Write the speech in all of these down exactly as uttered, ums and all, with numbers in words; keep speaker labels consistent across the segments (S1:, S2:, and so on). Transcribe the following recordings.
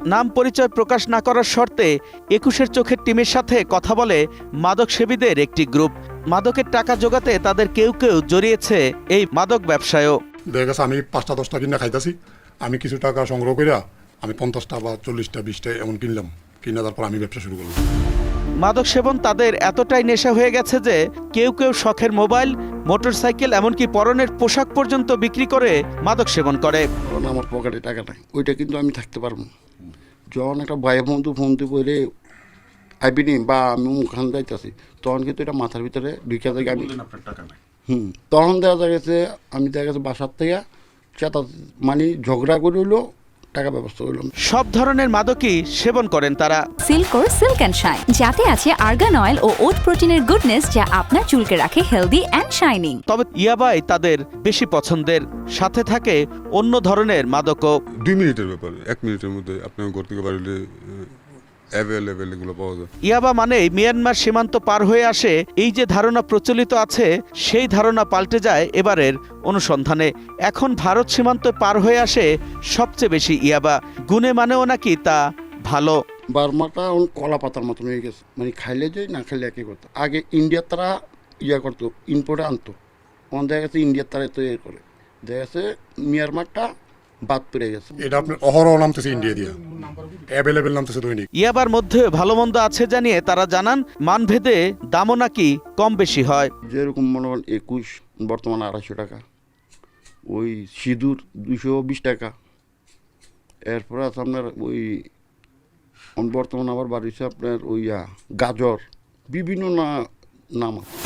S1: নাম পরিচয় প্রকাশ না করার শর্তে একুশের চোখের টিমের সাথে কথা বলে মাদক সেবীদের একটি গ্রুপ। মাদকের টাকা জোগাতে তাদের কেউ কেউ জড়িয়েছে এই মাদক ব্যবসায়ও।
S2: দেখা গেছে আমি পাঁচটা দশটা কিনা খাইতেছি, আমি কিছু টাকা সংগ্রহ করিয়া আমি পঞ্চাশটা বা চল্লিশটা বিশটা এমন কিনলাম, কিনা তারপর আমি ব্যবসা শুরু করলাম।
S1: মাদক সেবন তাদের এতটাই নেশা হয়ে গেছে যে কেউ কেউ শখের মোবাইল, মোটরসাইকেল, এমনকি পরনের পোশাক পর্যন্ত বিক্রি করে মাদক সেবন করে।
S3: আমার পকেটে টাকা নাই, ওইটা কিন্তু আমি থাকতে পারবো। যখন একটা ভাই বন্ধু ফোন দিয়ে বলে আইবিনি বা আমি মুখান যাইতেছি, তখন কিন্তু এটা মাথার ভিতরে ঢুকে যায়। আমি হুম তখন দেখা গেছে আমি দেখা গেছে বাসার থেকে চেতা মানে ঝগড়া করে হইলো টাকা ব্যবস্থা হইলাম।
S1: সব ধরনের মাদকই সেবন করেন তারা।
S4: সিল্কোর সিল্ক অ্যান্ড শাইন, যাতে আছে আর্গান অয়েল ও ওট প্রোটিনের গুডনেস, যা আপনার চুলকে রাখে হেলদি অ্যান্ড শাইনিং।
S1: তবে ইয়াবাই তাদের বেশি পছন্দের, সাথে থাকে অন্য ধরনের মাদকও।
S5: দুই মিনিটের ব্যাপার, এক মিনিটের মধ্যে আপনার ঘর থেকে বাড়িলে অ্যাভেলেবেল এগুলো পাওয়া যায়।
S1: ইয়াবা মানেই মিয়ানমার সীমান্ত পার হয়ে আসে, এই যে ধারণা প্রচলিত আছে সেই ধারণা পাল্টে যায় এবারের অনুসন্ধানে। এখন ভারত সীমান্ত পার হয়ে আসে সবচেয়ে বেশি ইয়াবা, গুণে মানেও নাকি তা ভালো।
S3: বার্মাটা কলা পাতার মতন হয়ে গেছে, মানে খাইলে যে না খাইলে একই করতো। আগে ইন্ডিয়ার তারা ইয়া করতো, ইম্পোর্টে আনতো, তখন দেখা গেছে ইন্ডিয়ার তারা তৈরি করে, দেখা গেছে মিয়ানমারটা বাদ পড়ে গেছে।
S2: এটা আপনার অহরহ নামতেছে ইন্ডিয়া দিয়ে, অ্যাভেলেবেল নামতেছে দৈনিক।
S1: ইয়াবার মধ্যে ভালো মন্দ আছে জানিয়ে তারা জানান মানভেদে দামও নাকি কম বেশি হয়।
S3: যেরকম মনে করেন একুশ বর্তমানে আড়াইশো টাকা, ওই সিঁদুর দুশো বিশ টাকা, এরপরে আছে আপনার ওই বর্তমানে আবার বাড়িছে আপনার ওই গাজর, বিভিন্ন না নাম আছে।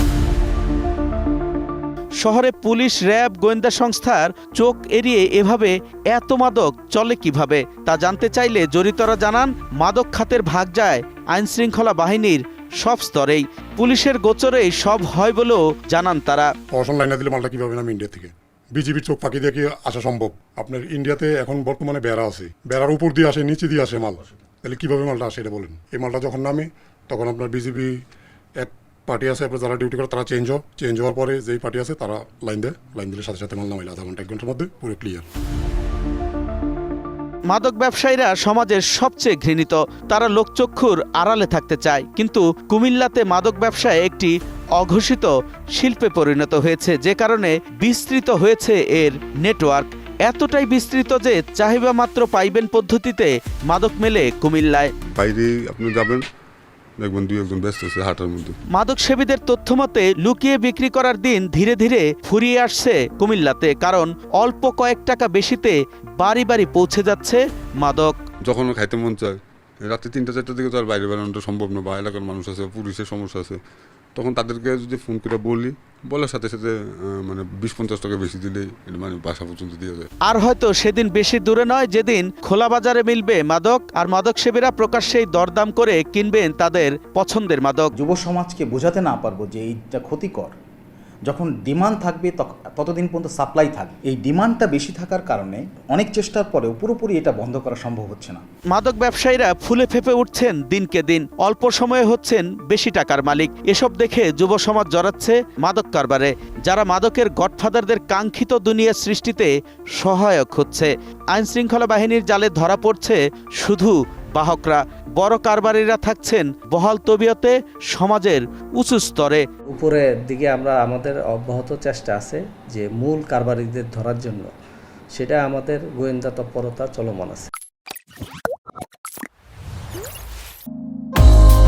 S1: শহরে পুলিশ, র্যাব, গোয়েন্দা সংস্থার চোখ এড়িয়ে এভাবে এত মাদক চলে কিভাবে তা জানতে চাইলে জড়িতরা জানান মাদক খাতের ভাগ যায় আইনশৃঙ্খলা বাহিনীর সব স্তরেই। পুলিশের গোচরেই সব হয় বলেও জানান তারা।
S2: প্রশাসন লাইনে দিলে মালটা কিভাবে নাম ইন্ডিয়া থেকে বিজিবির চোখ ফাঁকি দিয়ে কি আসা সম্ভব? আপনার ইন্ডিয়াতে এখন বর্তমানে বেড়া আছে, বেড়ার উপর দিয়ে আসে, নিচে দিয়ে আসে মাল, তাহলে কিভাবে মালটা আসে এটা বলেন? এই মালটা যখন নামে তখন আপনার বিজিবি এক পার্টি আছে, আপনার যারা ডিউটি করে তারা চেঞ্জ হয়, চেঞ্জ হওয়ার পরে যেই পার্টি আছে তারা লাইন দেয়, লাইন দিলে সাথে সাথে মাল নামাইলে আধা ঘন্টা এক ঘন্টার মধ্যে পুরো ক্লিয়ার।
S1: মাদক ব্যবসায়ীরা সমাজের সবচেয়ে ঘৃণিত, তারা লোকচক্ষুর আড়ালে থাকতে চায়, কিন্তু কুমিল্লাতে মাদক ব্যবসায় একটি অঘোষিত শিল্পে পরিণত হয়েছে, যে কারণে বিস্তৃত হয়েছে এর নেটওয়ার্ক। এতটাই বিস্তৃত যে চাহিদা মাত্র পাইবেন পদ্ধতিতে মাদক মেলে কুমিল্লায়।
S5: বাইরে আপনি যাবেন, দেখবেন দুই একজন ব্যস্ত আছে হাটার মধ্যে।
S1: মাদক সেবীদের তথ্য মতে লুকিয়ে বিক্রি করার দিন ধীরে ধীরে ফুরিয়ে আসছে কুমিল্লাতে, কারণ অল্প কয়েক টাকা বেশিতে বাড়ি বাড়ি পৌঁছে যাচ্ছে মাদক।
S5: যখন খাইতে মন চায় রাত্রে তিনটা চারটার দিকে তো আর বাইরে বেরোনোটা সম্ভব না, বা এলাকার মানুষ আছে, পুলিশের সমস্যা আছে, তখন তাদেরকে যদি ফোন করে বলি, বলার সাথে সাথে মানে বিশ পঞ্চাশ টাকা বেশি দিলে মানে বাসা পর্যন্ত দিয়ে যায়।
S1: আর হয়তো সেদিন বেশি দূরে নয় যেদিন খোলা বাজারে মিলবে মাদক, আর মাদক সেবীরা প্রকাশ্যেই দরদাম করে কিনবেন তাদের পছন্দের মাদক।
S6: যুব সমাজকে বোঝাতে না পারবো যে এইটা ক্ষতিকর, যখন ডিমান্ড থাকবে ততদিন পর্যন্ত সাপ্লাই থাকবে। এই ডিমান্ডটা বেশি থাকার কারণে অনেক চেষ্টার পরেও পুরোপুরি এটা বন্ধ করা সম্ভব হচ্ছে না।
S1: মাদক ব্যবসায়ীরা ফুলে ফেপে উঠছেন দিনকে দিন, অল্প সময়ে হচ্ছেন বেশি টাকার মালিক। এসব দেখে যুব সমাজ জড়াচ্ছে মাদক কারবারে, যারা মাদকের গডফাদারদের কাঙ্ক্ষিত দুনিয়া সৃষ্টিতে সহায়ক হচ্ছে। আইন শৃঙ্খলা বাহিনীর জালে ধরা পড়ছে শুধু বাহকরা, বড় কারবারিরা থাকছেন বহাল তবিয়তে সমাজের উঁচু স্তরে।
S7: উপরের দিকে আমরা আমাদের অব্যাহত চেষ্টা আছে যে মূল কারবারিদের ধরার জন্য, সেটা আমাদের গোয়েন্দা তৎপরতা চলমান আছে।